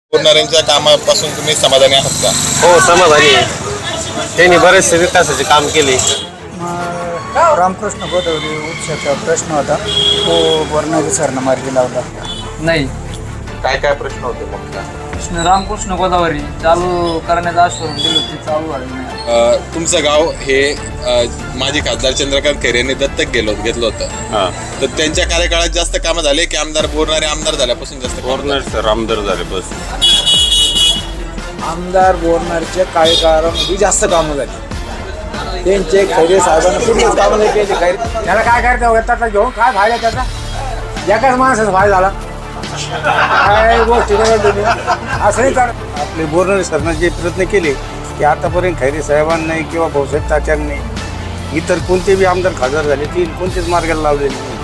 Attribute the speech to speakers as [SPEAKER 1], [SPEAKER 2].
[SPEAKER 1] बोरणाऱ्यांच्या कामापासून तुम्ही समाधानी आहात का?
[SPEAKER 2] हो, समाधानी आहे. त्यांनी बरेचसे विकासाचे काम केले.
[SPEAKER 3] रामकृष्ण गोदावरी उपशाचा प्रश्न होता तो बोरणारे सरनं मार्गी लावला.
[SPEAKER 4] नाही,
[SPEAKER 1] काय काय प्रश्न होते मग का?
[SPEAKER 4] रामकृष्ण गोदावरी चालू करण्याचं आश्वासन दिलं ते चालू झालं नाही.
[SPEAKER 1] तुमचं गाव हे माजी खासदार चंद्रकांत खैरे यांनी दत्तक घेतलं होतं. तर त्यांच्या कार्यकाळात जास्त कामं झाले की आमदार बोरणारे आमदार झाल्यापासून जास्त कामं झाली?
[SPEAKER 2] सर आमदार झाले बस.
[SPEAKER 3] आमदार बोरणारच्या कार्यकाळामध्ये जास्त कामं झाली. त्यांचे खैरे साहेबांना कुठलीच कामं नाही केली. खैरे त्याला काय करायचं त्याचा घेऊन काय फायदा त्याचा? एकाच माणसाचा फायदा झाला. काय गोष्टी असं नाही कर. आपले बोरणारे सरनं जे प्रयत्न केले की आतापर्यंत खैरे साहेबांनी किंवा भाऊसाहेब तात्यांनी इतर कोणते बी आमदार खासदार झाले ती कोणतेच मार्गाला लावलेले नाही.